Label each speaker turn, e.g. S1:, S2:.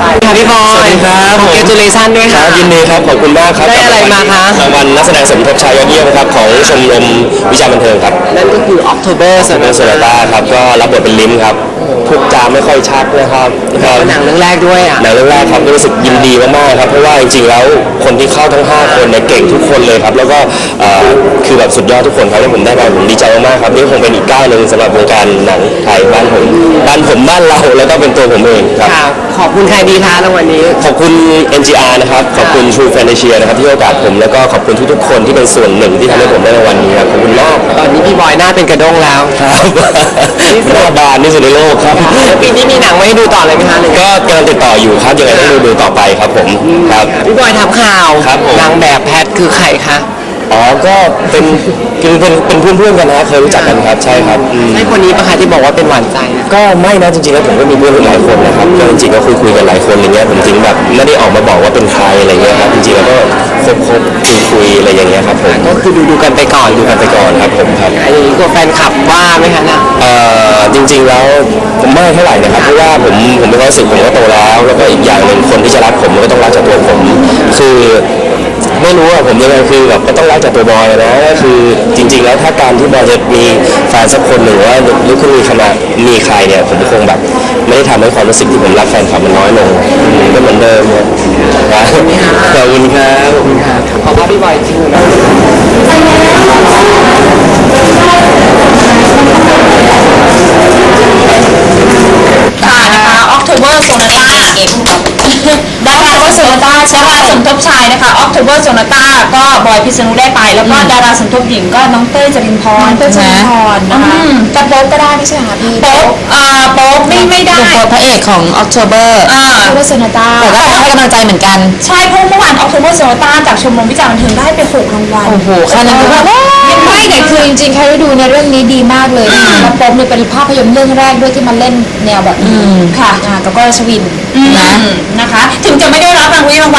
S1: ค่ะพี่บอย
S2: สวัสดีครับ
S1: congratulation ด้วย
S2: ค
S1: ค่ะ
S2: รับยินดีครับขอบคุณมากครับ
S1: ได้อะไรมาคะ
S2: รางวัลนักแสดงสมทบชายยอดเยี่ยมครับของชมรมวิชาบันเทิงครับ
S1: นั่นก็คือ October
S2: เนอร์โซลาต้าครับก็รับบทเป็นลิ้มครับพูดจาไม่ค่อยชัดนะครับ
S1: หนังเรื่องแรกด้วยอ่ะ
S2: หนังเรื่องแรกครับรู้สึกยินดีมากๆครับเพราะว่าจริงๆแล้วคนที่เข้าทั้ง5คนเนี่ยเก่งทุกคนเลยครับแล้วก็คือแบบสุดยอดทุกคนครับที่ผมได้ไปผมดีใจมากๆครับนี่คงเป็นอีกก้าวหนึ่งสำหรับวงการหนังไทยบ้านเราแล้วก็เป็นตัวผมเองครับ
S1: ค่ะ ขอบคุณใครดีคะรางวัลนี้
S2: ขอบคุณ NGR นะครับขอบคุณ True Fantasia นะครับที่ให้โอกาสผมแล้วก็ขอบคุณทุกๆคนที่เป็นส่วนหนึ่งที่ทำให้ผมได้รางวัลนี้ครับขอบคุณมาก
S1: ตอนนี้พี่บอยหน้าเป็นกระด้งแล้ว
S2: ครับหน้าบานที่สุดในโลกครับ
S1: ปีนี้มีหนังไว้ให้ดูต่อเลยไหมคะหรือ
S2: ก็กำลังติดต่ออยู่ครับยังไงต้องดูต่อไปครับผมครับ
S1: พี่บอยทำข่าว
S2: ครับผม
S1: นางแบบแพทคือใครคะ
S2: อ๋อก็เป็นเพื่อนๆกันนะเคยรู้จักกันครับใช่ครับ
S1: ใช่คนนี้ปะคะที่บอกว่าเป็นหวานใจ
S2: ก็ไม่นะจริงๆแล้วผมก็มีเพื่อนหลายคนนะครับก็จริงๆก็คุยกันหลายคนอะไรเงี้ยผมจริงแบบไม่ได้ออกมาบอกว่าเป็นใครอะไรเงี้ยครับจริงๆแล้วก็คบคุยอะไรอย่างเงี้ยครับผม
S1: ก็คือดูกันไปก่อน
S2: ดูกันไปก่อนครับผมครับ
S1: อันนี้ตัวแฟนคลับว่าไหมคะน่ะ
S2: จริงๆแล้วผมไม่เท่าไหร่นะครับเพราะว่าผมเป็นความรู้สึกผมก็โตแล้วก็อีกอย่างหนึ่งคนที่จะรักผมก็ต้องรักจากตัวผมคือไม่รู้อะผมยังไงคือแบบก็ต้องรักจากตัวบอยนะก็คือจริงๆแล้วถ้าการที่บอยจะมีแฟนสักคนหนึ่งว่าหรือคุณมีใครเนี่ยผมคงแบบไม่ได้ทำให้ความรู้สึกที่ผมรักแฟนคลับมันน้อยลงก็เหมือนเดิมครับขอบคุณครับ
S1: ขอบคุณพี่บอยจริงๆนะ
S3: ค่ะนะคะ October Sonata ดาราสมทบดาราสมทบชายนะคะ October Sonata ก็บอยพิษณุได้ไป แล้วก็ดาราสมทบหญิงก็น้องเต้ยจรินพรนะคะ
S4: จะโป๊กก็ได้ไม่ใช่เหรอคะพี่
S3: โป๊กโป๊กไม่ได้
S4: โป๊กพระเอกของ October โอเวอร์โซนาต้าแต่ก็ให้กำลังใจเหมือนกัน
S3: ใช่เพราะเมื่อวาน October Sonata จากชมรมวิจารณ์บันเทิงได้ไป6รางวัล
S4: โอ้โหแค่นั้นก็แบบไม่แต่คือจริงๆใครได้ดูในเรื่องนี้ดีมากเลยนะคะแล้วโป๊กเนี่ยเป็นภาพยนตร์เรื่องแรกด้วยที่มาเล่นแนวแบบนี้ค่ะกับก้อยรัชวินนะ
S3: นะคะ ถึงจะไม่ได้รับรางวัล